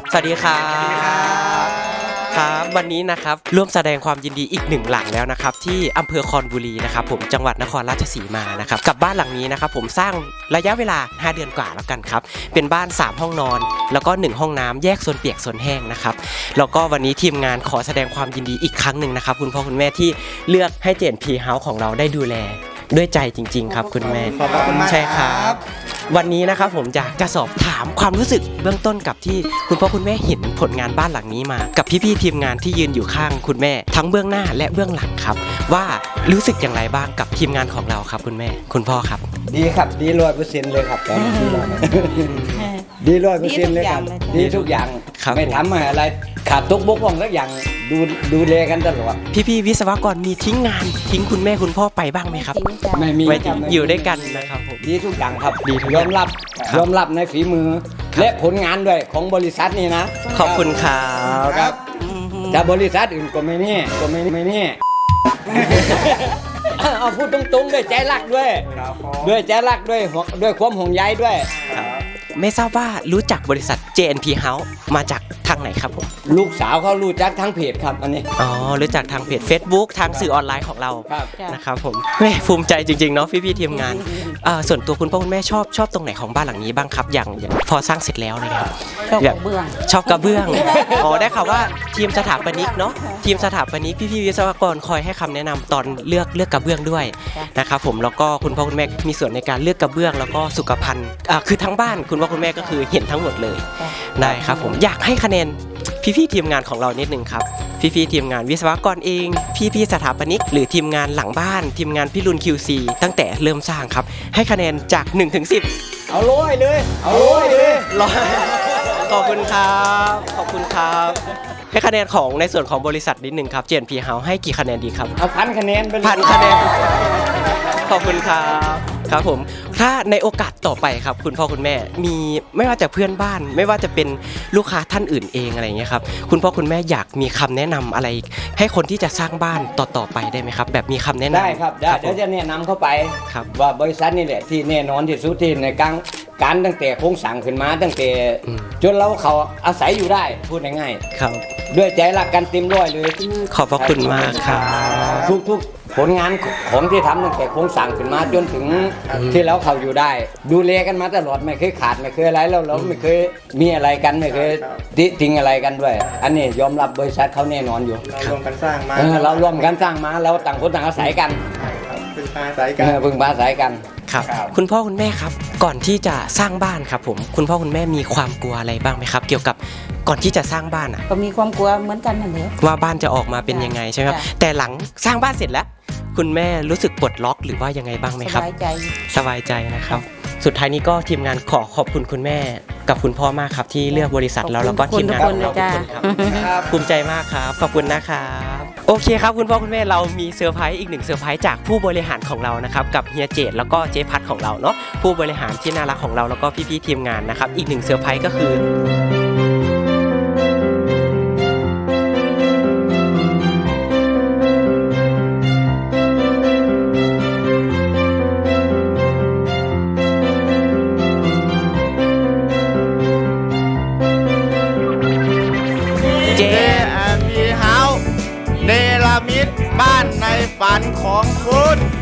สวัสดีครับครับวันนี้นะครับร่วมแสดงความยินดีอีกหนึ่งหลังแล้วนะครับที่อำเภอคอนบุรีนะครับผมจังหวัดนครราชสีมานะครับกับบ้านหลังนี้นะครับผมสร้างระยะเวลา5เดือนกว่าแล้วกันครับเป็นบ้าน3ห้องนอนแล้วก็1ห้องน้ำแยกโซนเปียกโซนแห้งนะครับแล้วก็วันนี้ทีมงานขอแสดงความยินดีอีกครั้งหนึ่งนะครับคุณพ่อคุณแม่ที่เลือกให้J&P Houseของเราได้ดูแลด้วยใจจริงๆครับคุณแม่ขอบคุณมากใช่ครับวันนี้นะครับผมอยากจะสอบถามความรู้สึกเบื้องต้นกับที่คุณพ่อคุณแม่เห็นผลงานบ้านหลังนี้มากับพี่ๆทีมงานที่ยืนอยู่ข้างคุณแม่ทั้งเบื้องหน้าและเบื้องหลังครับว่ารู้สึกอย่างไรบ้างกับทีมงานของเราครับคุณแม่คุณพ่อครับดีครับดี100%เลยครับดี100%เลยครับดีทุกอย่างไม่ทำอะไรขาดตกบกพร่องสักอย่างดูแลกันตลอดพี่วิศวกรมีทิ้งงานทิ้งคุณแม่คุณพ่อไปบ้างไหมครับไม่มีอยู่ด้วยกันนะครับผมดีทุกอย่างครับดียอมรับในฝีมือและผลงานด้วยของบริษัทนี่นะขอบคุณครับแต่บริษัทอื่นก็ไม่นี่เอาพูดตรงๆด้วยใจรักด้วยใจรักด้วยความห่วงใยด้วยไม่ทราบว่ารู้จักบริษัท J&P House มาจากทางไหนครับผมลูกสาวเขารู้จักทางเพจครับอันนี้รู้จักทางเพจ Facebook ทางสื่อออนไลน์ของเรานะครับผมแม่ภูมิใจจริงๆเนาะพี่ทีมงานส่วนตัวคุณพ่อคุณแม่ชอบตรงไหนของบ้านหลังนี้บ้างครับอย่างพอสร้างเสร็จแล้วนะครับชอบกระเบื้องได้ข่าวว่าทีมสถาปนิกเนาะทีมสถาปนิกพี่วิศวกรคอยให้คำแนะนำตอนเลือกกระเบื้องด้วยนะครับผมแล้วก็คุณพ่อคุณแม่มีส่วนในการเลือกกระเบื้องแล้วก็สุขภัณฑ์คือทั้งบ้านคุณพ่อคุณแม่ก็คือเห็นทั้งหมดเลยได้ครับผมอยากให้คะแนนพี่ทีมงานของเรานิดนึงครับพี่ทีมงานวิศวกรเองพี่สถาปนิกหรือทีมงานหลังบ้านทีมงานพี่รุ่น QC ตั้งแต่เริ่มสร้างครับให้คะแนนจาก1 ถึง 10 เอาร้อยเลยขอบคุณครับให้คะแนนของในส่วนของบริษัทนิดนึงครับ J&P House ให้กี่คะแนนดีครับเอา1,000 คะแนนเป็น 1,000 คะแนนขอบคุณครับผมถ้าในโอกาสต่อไปครับคุณพ่อคุณแม่มีไม่ว่าจะเพื่อนบ้านไม่ว่าจะเป็นลูกค้าท่านอื่นเองอะไรอย่างเงี้ยครับคุณพ่อคุณแม่อยากมีคำแนะนำอะไรให้คนที่จะสร้างบ้านต่อไปได้ไหมครับแบบมีคำแนะนำได้ครับเดี๋ยวจะแนะนำเข้าไปว่าบริษัทนี่แหละที่แน่นอนที่สุดที่ในการตั้งแต่โครงสร้างขึ้นมาตั้งแต่จนเราเขาอาศัยอยู่ได้พูดง่ายๆครับด้วยใจรักกันเต็มร้อยเลยขอบพระคุณมากครับทุกผลงานของที่ทำตั้งแต่โครงสร้างขึ้นมาจนถึงที่เราเขาอยู่ได้ดูแลกันมาตลอดไม่เคยขาดไม่เคยอะไรเราไม่เคยมีอะไรกันไม่เคยทิ้งอะไรกันด้วยอันนี้ยอมรับบริษัทเขาแน่นอนอยู่เราร่วมกันสร้างมาเราต่างคนต่างอาศัยกันพึ่งพาอาศัยกันครับคุณพ่อคุณแม่ครับก่อนที่จะสร้างบ้านครับผมคุณพ่อคุณแม่มีความกลัวอะไรบ้างไหมครับเกี่ยวกับก่อนที่จะสร้างบ้านก็มีความกลัวเหมือนกันนั่นแหละว่าบ้านจะออกมาเป็นยังไงใช่ไหมครับแต่หลังสร้างบ้านเสร็จแล้วคุณแม่รู้สึกปลดล็อกหรือว่ายังไงบ้างไหมครับสบายใจนะครับสุดท้ายนี้ก็ทีมงานขอบคุณคุณแม่กับคุณพ่อมากครับที่เลือกบริษัทแล้วก็ทีมงานของเราทุกคนครับภูมิใจมากครับขอบคุณนะครับโอเคครับคุณพ่อคุณแม่เรามีเซอร์ไพรส์อีก1เซอร์ไพรส์จากผู้บริหารของเรานะครับกับเฮียเจตแล้วก็เจ๊พัดของเราเนาะผู้บริหารที่น่ารักของเราแล้วก็พี่ทีมงานนะครับอีก1เซอร์ไพรส์ก็คือ J&P House เนรมิตบ้านในฝันของคุณ